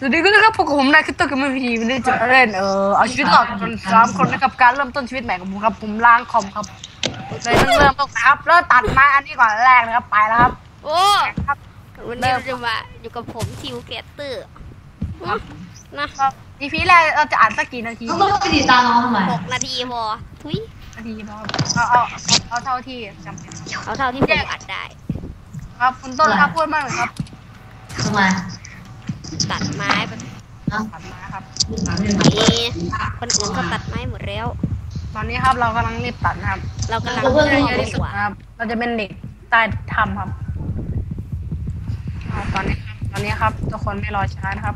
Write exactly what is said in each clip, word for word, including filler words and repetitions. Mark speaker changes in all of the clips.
Speaker 1: สวัสดีครับพวกผมนายคือตัวกับมือพีวันนี้จะเล่นเออเอาชีวิตรอดกันสามคนนะครับการเริ่มต้นชีวิตใหม่ของผมครับผมล้างคอมครับเลยต้องเริ่มต้นครับแล้วตัดไม้อันนี้ก่อนแรกนะครับไปแล้วครับ
Speaker 2: โอ้วันนี้เราจะมาอยู่กับผมทิวเกตเตอร์นะ
Speaker 1: อีพีแรกเราจะอ่านสักกี่นาที
Speaker 3: ต้องไปติดตามน้องทำไม
Speaker 2: หกนาทีพอทุย
Speaker 1: นาทีพอเอาเอาเอาเท่าที่จำเป็น
Speaker 2: เอาเท่าที่ผมอัดได้
Speaker 1: ครับคุณต้นครับพูดมากเลยครับ
Speaker 3: ทำไม
Speaker 2: ตัดไม้ไป
Speaker 1: ตัดไม้ครับ
Speaker 2: นี่คนอื่นก็ตัดไม้หมดแล้ว
Speaker 1: ตอนนี้ครับเรากำลังรีบตัดนะครับ
Speaker 2: เรากำลัง
Speaker 1: เพื่อเยอะที่สุดครับเราจะเป็นเด็กใต้ถ้ำครับตอนนี้ตอนนี้ครับทุกคนไม่รอช้านะครับ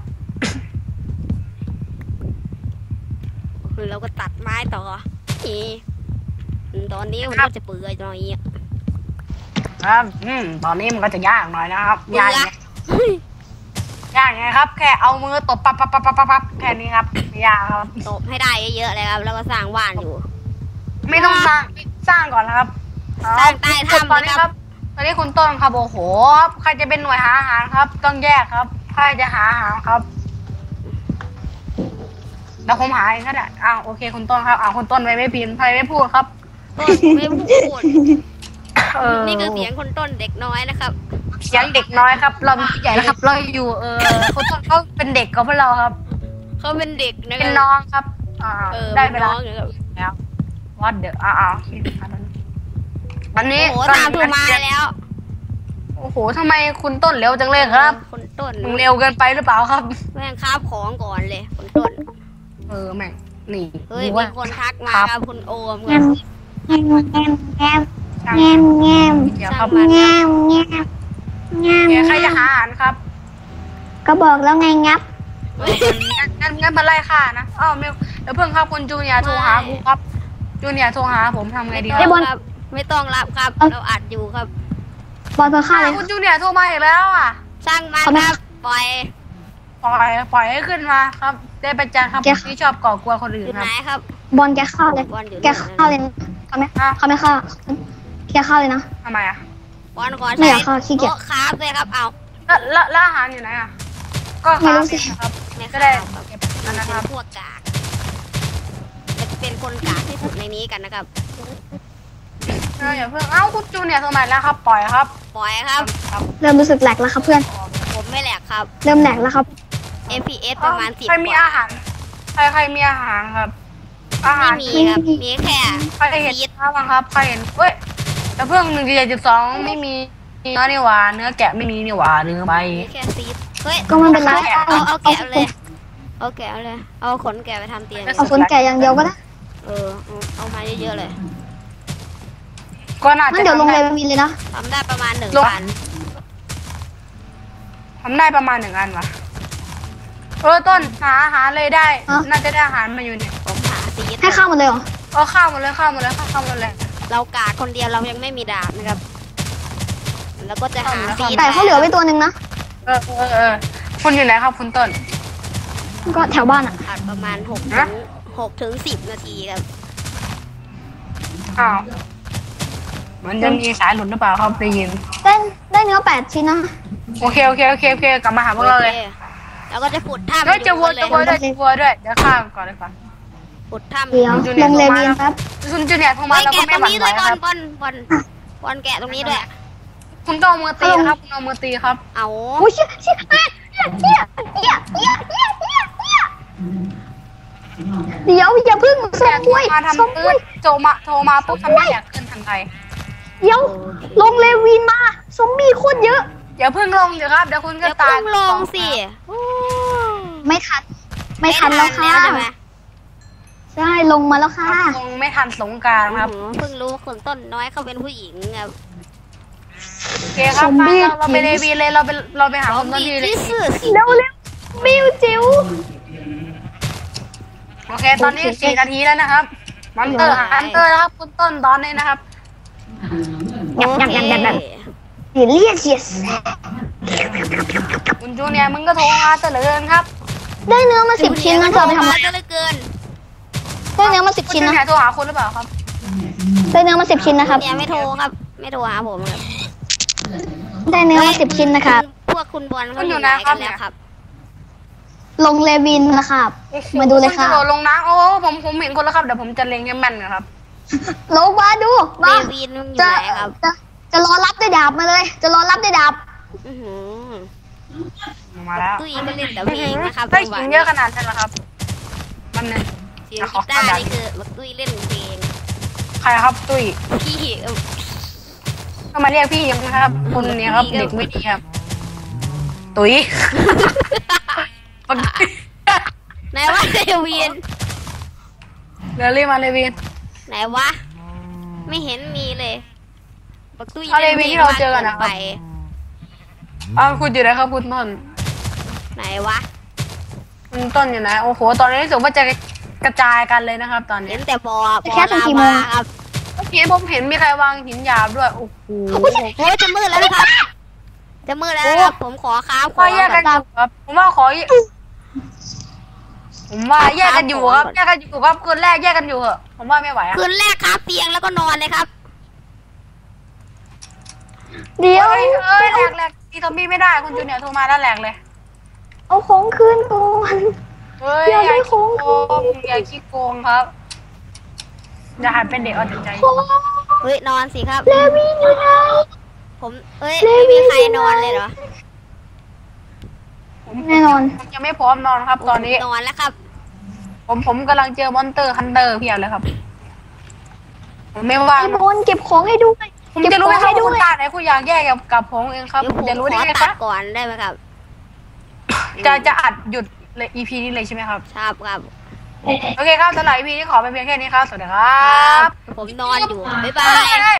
Speaker 2: คือเราก็ตัดไม้ต่อนี่ตอนนี้มันก็จะเปื่อยหน่อย
Speaker 1: ครับอืมตอนนี้มันก็จะยากหน่อยนะครับยากยากไงครับแค่เอามือตบปั๊บปั๊บปั๊บปั๊บปั๊บแค่นี้ครับไม่ยากครับ
Speaker 2: ตบให้ได้เยอะๆเลยครับแล้วก็สร้างบ้านอยู่
Speaker 1: ไม่ต้องสร้างสร้างก่อนนะครับ
Speaker 2: สร้างใต้ถ้ำ
Speaker 1: ตอนนี้ครับตอนนี้คุณต้นครับโอ้โหใครจะเป็นหน่วยหาอาหารครับต้องแยกครับใครจะหาอาหารครับแล้วผมหาเองก็ได้อ้าวโอเคคุณต้นครับอ้าวคุณต้นไม่ไม่พิมพ์ใครไม่พูดครับ
Speaker 2: ต้นไม่พูดนี่คือเสียงคนต้นเด็กน้อยนะครับ
Speaker 1: เสียงเด็กน้อยครับเราใหญ่แล้วครับเราอยู่เออคุณต้นเขาเป็นเด็กกับพวกเราครับ
Speaker 2: เขาเป็นเด็กนะ
Speaker 1: เป็นน้องครับอ่าได้เวลาแล้ววัดเดออ้าววันนี้
Speaker 2: โอ้ตามถูมาแล้ว
Speaker 1: โอ้โหทำไมคุณต้นเร็วจังเลยครับ
Speaker 2: คุณต้น
Speaker 1: มึงเร็วเกินไปหรือเปล่าครับ
Speaker 2: แม่งคาบของก่อนเลยคุณต้น
Speaker 1: เออแม่งนี่
Speaker 2: เฮ้ยมีคนทักมาครับคุณโอม
Speaker 3: แงมแงมแงมแงมแงมแงมแงมแงมแงม
Speaker 1: ใครจะหาอาหารครับ
Speaker 3: ก็บอกแล้วไงงับ
Speaker 1: งั้นงั้นมาไล่ฆ่านะอ้าวไม่เดี๋ยวเพิ่งครับคุณจูเนียโทรหากูครับจูเนียโทรหาผมทำไงดี
Speaker 2: ครับไม่ต้องรับครับเราอัดอยู่ครับ
Speaker 3: บอลเธอฆ่าเลย
Speaker 1: คุณจูเนียโทรมาอีกแล้วอ่ะ
Speaker 2: สร้างมันครับปล่อย
Speaker 1: ปล่อยปล่อยให้ขึ้นมาครับได้ประจันครับที่ชอบก่อกวนคนอื่น
Speaker 2: ครับ
Speaker 3: บอลแกฆ่าเลยแกฆ่าเลยเขาไม่เขาไม่ฆ่าแกฆ่าเลยนะ
Speaker 1: ทำไมอ่ะ
Speaker 2: บอลขอใช้โต๊ะคราฟเลยครับเอา
Speaker 1: แล้วแล้วอาหารอยู่ไหนอ่ะก็คราฟครับก็ได้
Speaker 2: นะครับพวกกากจะเป็นคนกากที่สุดในนี้กันนะครับ
Speaker 1: เอออย่าเพิ่งเอ้าคุณจูเนี่ยสมัยแล้วครับปล่อยครับ
Speaker 2: ปล่อยครับ
Speaker 3: เริ่มรู้สึกแหลกแล้วครับเพื่อน
Speaker 2: ผมไม่แหลกครับ
Speaker 3: เริ่มแหลกแล้วครับ
Speaker 2: เอ็ม พี เอส ประมาณสิบ
Speaker 1: ใครมีอาหารใครใครมีอาหารครับอาหาร
Speaker 2: มีครับมีแค่
Speaker 1: ใครเห็นครับใครเห็นเว้ยแต่เพิ่งหนึ่งจุดสองไม่มีเนื้อนี่หว่าเนื้อแกะไม่มีนี่หว่าเนื้อใบ
Speaker 2: แค่ซีดเฮ้ย
Speaker 3: ก็มันเป็นไร
Speaker 2: เอาเอาแกะเลยเอาแกะเลยเอาขนแกะไปทำเตียง
Speaker 3: เอาขนแกะอย่างเดียวก็ได้
Speaker 2: เออเอามาเยอะๆเลย
Speaker 1: ก็น่าจะ
Speaker 3: เดี๋ยวลงเลยมีเลยนะ
Speaker 2: ทำได้ประมาณหนึ่งอัน
Speaker 1: ทำได้ประมาณหนึ่งอันวะเออต้นหาอาหารเลยได้น่าจะได้อาหารมาอยู่เนี่ย
Speaker 2: ผมหาซีด
Speaker 3: ให้ข้าวหมดเลยเหรอ
Speaker 1: เออข้าวหมดเลยข้าวหมดเลยข้าวหมดเลย
Speaker 2: เรากาคนเดียวเรายังไม่มีดาบนะครับแล้วก็จะหาซีด
Speaker 3: แต่เขาเหลือไว้ตัวหนึ่งนะ
Speaker 1: เออเออเออคุณอยู่ไหนครับคุณต้น
Speaker 3: ก็แถวบ้านอ่ะ
Speaker 2: อัดประมาณหกถึงหกถึงสิบนาทีครับ
Speaker 1: อ้าวมันจะมีสายหลุดหรือเปล่าครับได้ยิน
Speaker 3: ได้ได้เนื้อแปดชิ้นนะ
Speaker 1: โอเคโอเคโอเคโอเคกลับมาหาพวกเราเลย
Speaker 2: แล้วก็จะขุดถ้ำ
Speaker 1: เฮ้ยจะวัวจะวัวด้วยจะวัวด้วยเดี๋ยวข้ามก่อนเลยก่อน
Speaker 2: ขุดถ้ำ
Speaker 3: เดี๋ยวลงเลเวียนครับ
Speaker 1: คุณจูเนียร์โทรมาแล้วก็ไม่หวั่นไหวครับ
Speaker 2: บอลบอลบอลแกะตรงนี้ด้วย
Speaker 1: คุณต้องเอามือตีครับคุณเอามือตีครับ
Speaker 2: เอา
Speaker 3: โอ้ยเชี่ยเชี่ยเชี่ยเชี่ยเชี่ยเชี่ยเชี่ยเชี่ยเชี่ยเดี๋ยวอย่าพึ่งส่งด้วย
Speaker 1: ส่งด้วยโจมาโทรมาปุ๊บทำให้อยากขึ้นทันใด
Speaker 3: เดี๋ยวลงเลวินมาซอมบี้โคตรเยอะ
Speaker 1: อย่าพึ่งลงเดี๋ยวครับเดี๋ยวคุณก็ตาย
Speaker 2: ลงสิ
Speaker 3: ไม่ทันไม่ทันแล้วค่ะใช่ลงมาแล้วค่ะ
Speaker 1: ลงไม่ทันสงกรานต์ครับ
Speaker 2: เพิ่งรู้คนต้นน้อยเขาเป็นผู้หญิงครับ
Speaker 1: โอเคครับเราไปเลวีเลยเราไปเราไปหาคนต้นที่เลย
Speaker 3: เร็วเร็วมิวจิ๋ว
Speaker 1: โอเคตอนนี้สี่นาทีแล้วนะครับมันเตอร์ฮันเตอร์นะครับคุณต้นตอนนี้นะครับ
Speaker 3: ยับยับยับยับยับเดี๋ยวเรียกเสีย
Speaker 1: คุณจูเนียร์มึงก็โทรมาเตลินครับ
Speaker 3: ได้เนื้อมาสิบชิ้นนะเธอไปทำอะไร
Speaker 2: เกิน
Speaker 3: ได้เนื้อมาสิบชิ้นนะ
Speaker 1: โทรหาคุณหรือเปล่าครับ
Speaker 3: ได้เนื้อมาสิบชิ้นนะครับ
Speaker 2: เนี่ยไม่โทรครับไม่โทรหาผมครับ
Speaker 3: ได้เนื้อมาสิบชิ้นนะครับ
Speaker 2: พวกคุณบอลเขาอยู่ไหนกันแล้วครับ
Speaker 3: ลงเลวินนะครับ มาดูเลยค่ะ
Speaker 1: ณกระโดดลงน้ำโอ้ผมผมเห็นคนแล้วครับเดี๋ยวผมจะเล็งให้แม่นนะครับ
Speaker 3: ลงมาดู
Speaker 2: เล
Speaker 3: มา
Speaker 2: วินมันอยู่
Speaker 3: จะ
Speaker 2: ไหนครับ
Speaker 3: จะจะรอรับด้วยดาบมาเลย จะรอรับด้วยดาบ
Speaker 2: อื้อหือ
Speaker 1: มาแล้ว
Speaker 2: ตุ้ยก็เล่นแต่เพลงนะครับ
Speaker 1: ได้
Speaker 2: จังหวะ
Speaker 1: หิน
Speaker 2: นี้
Speaker 1: เยอะขนาดนั้นเหรอครับมันเนี่ย
Speaker 2: เสียงกีตาร์นี่คือบักตุ้ยเล่นเพลง
Speaker 1: ใครครับตุ้ย
Speaker 2: พี่เอ่อ
Speaker 1: ก็มาเรียกพี่ยังครับคนเนี้ยครับเด็กไม่ดีครับ ตุ้ย
Speaker 2: ไหนวะเลวิน
Speaker 1: เดี๋ยวรีบมาเลยวิน
Speaker 2: ไหนวะ ไม่เห็นมีเลยบักตุ้ย
Speaker 1: เอาเลวินที่เราเจอกันนะครับ
Speaker 2: ไป
Speaker 1: อ้าวคุณอยู่ไหนครับคุณต้น
Speaker 2: ไหนวะ
Speaker 1: คุณต้นอยู่ไหนโอ้โหตอนนี้รู้สึกว่าจะกระจายกันเลยนะครับ ตอนนี้
Speaker 2: เห็นแต่บอบ่อ
Speaker 3: แค่ถึง
Speaker 2: ลา
Speaker 3: กี่โม
Speaker 2: วาง ครับ
Speaker 1: เมื่อกี้ผมเห็นมีใครวางหินหยาบด้วยโอ้โห
Speaker 2: โอ้ยจะมืดแล้วนะครับ จะมืดแล้วนะครับ ผมขอค้าขอ
Speaker 1: ว่าแยกกันอยู่ครับผมว่าขอผมว่าแยกกันอยู่ครับแยกกันอยู่ครับคืนแรกแยกกันอยู่เหอะผมว่าไม่ไหวอะ
Speaker 2: คืนแรกค้าเตียงแล้วก็นอนเลยครับ
Speaker 3: เดี๋ยว
Speaker 1: เอ้ยเอ้ยแหลกแหลกตีซอมบี้ไม่ได้คุณจูเนียร์โทรมาแล้วแหลกเลย
Speaker 3: เอาของคืนก่อน
Speaker 1: เฮ้ย
Speaker 3: เดี๋ยว
Speaker 1: อย่า
Speaker 3: ได้
Speaker 1: ขี้
Speaker 3: ของ
Speaker 1: โกงอย่าขี้โกงครับอย่าหันเป็นเด็กเอาแต่ใจ
Speaker 3: ของ
Speaker 2: เฮ้ยนอนสิครับ
Speaker 3: เลวินอยู่ไหน
Speaker 2: ผมเอ้ยไม่มีใครนอนเลยเหรอ
Speaker 3: แน่นอน
Speaker 1: ผมยังไม่พร้อมนอนครับ ตอนนี้
Speaker 2: นอนแล้วครับ
Speaker 1: ผมผมกำลังเจอมอนเตอร์ฮันเตอร์เพียบเลยครับ ผมไม่ว่าง
Speaker 3: ไอ้บอลเก็บของให้ด้วย
Speaker 1: ผมจะรู้ไหมครับ
Speaker 3: เก็บของ
Speaker 1: คุณ
Speaker 3: ให้ด้วย
Speaker 1: ตาไหนคุณอยากแยกกับกับผมเองครับ
Speaker 2: เดี๋ยว
Speaker 1: ผ
Speaker 2: ผม ม
Speaker 1: จะรู้
Speaker 2: ข
Speaker 1: ได้
Speaker 2: อ
Speaker 1: ไงค
Speaker 2: ตั
Speaker 1: รั
Speaker 2: ด
Speaker 1: บ
Speaker 2: ก่อนได้ไหมครับ
Speaker 1: จะจะอัดหยุดเลย อี พี นี้เลยใช่ไหมครับ
Speaker 2: ชอบครับ
Speaker 1: โอเคครับสำหรับ อี พี นี้ขอเป็นเพียงแค่นี้ครับ สวัสดีครั
Speaker 2: ครับ บผมนอนอยู่ บ๊ายบาย